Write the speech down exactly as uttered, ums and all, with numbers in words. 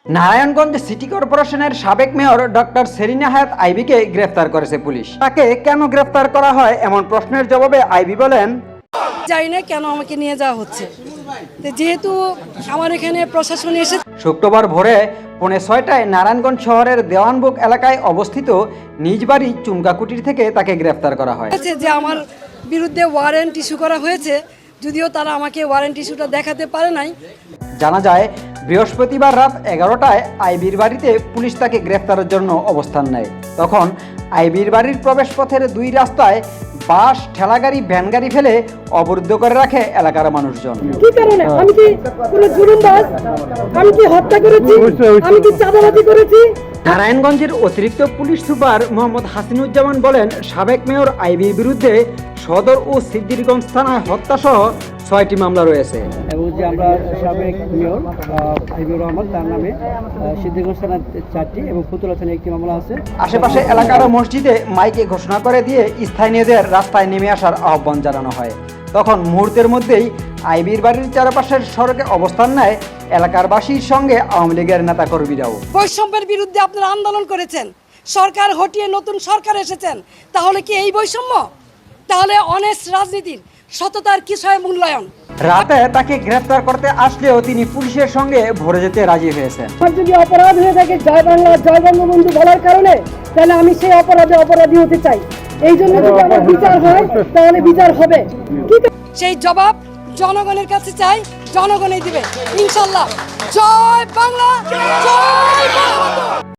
Narayanganj city কর্পোরেশনের সাবেক mayor doctor Serena হায়াত আইবিকে গ্রেফতার করেছে পুলিশ। তাকে কেন গ্রেফতার করা হয় এমন প্রশ্নের জবাবে আইবি বলেন, জানি না কেন আমাকে নিয়ে যাওয়া হচ্ছে, যেহেতু আমার এখানে প্রশাসন এসে। শুক্রবার ভোরে পৌনে ছয়টায় নারায়ণগঞ্জ শহরের দেওয়ানবুক এলাকায় অবস্থিত নিজ বাড়ি চুমকাকুটির থেকে তাকে গ্রেফতার করা হয়। যে আমার বিরুদ্ধে ওয়ারেন্ট ইস্যু করা হয়েছে, যদিও তারা আমাকে ওয়ারেন্ট ইস্যুটা দেখাতে পারে নাই। জানা যায় বৃহস্পতিবার রাত এগারোটায় আইবির বাড়িতে পুলিশ তাকে গ্রেফতারের জন্য অবস্থান নেয়। তখন আইবির বাড়ির প্রবেশপথের দুই রাস্তায় বাস, ঠেলাগাড়ি, ভ্যানগাড়ি ফেলে অবরুদ্ধ করে রাখে এলাকার মানুষজন। কি কারণে? আমি কি কোনো জুলুমবাজ? আমি কি হত্যা করেছি? আমি কি চাঁদাবাজি করেছি? নারায়ণগঞ্জের অতিরিক্ত পুলিশ সুপার মোহাম্মদ হাসিনুজ্জামান বলেন, সাবেক মেয়র আইবির বিরুদ্ধে সদর ও সিদ্দিরগঞ্জ থানায় হত্যাসহ ছয়টি মামলা রয়েছে এবং যে আমরা সাবেক মেয়র হাবিবুর রহমান তার নামে সিদ্দিরগঞ্জ থানায় চারটি এবং ফুতুলা থানায় একটি মামলা আছে। আশেপাশে এলাকার মসজিদে মাইকে ঘোষণা করে দিয়ে স্থানীয়দের রাস্তায় নেমে আসার আহ্বান জানানো হয়। তখন মুহূর্তের মধ্যেই আইবির বাড়ির চারপাশের সড়কে অবস্থান নেয় এলাকার বাসীর সঙ্গে আওয়ামী লীগের নেতা কর্মীরাও। বৈষম্যের বিরুদ্ধে আপনারা আন্দোলন করেছেন, সরকার হটিয়ে নতুন সরকার এসেছেন, তাহলে কি এই বৈষম্য? তাহলে অনেস্ট রাজনীতির সততার কিসয় মূল্যায়ন? রাতে তাকে গ্রেফতার করতে আসলেও তিনি পুলিশের সঙ্গে ভরে যেতে রাজি হয়েছেন। যদি অপরাধ হয়ে থাকে জয় বাংলা জয় বঙ্গবন্ধু বলার কারণে, তাহলে আমি সেই অপরাধে অপরাধী হতে চাই। এই জন্য যদি আমার বিচার হয় তাহলে বিচার হবে। সেই জবাব জনগণের কাছে চাই, জনগণই দিবে ইনশাল্লাহ। জয় বাংলা, জয় বঙ্গবন্ধু।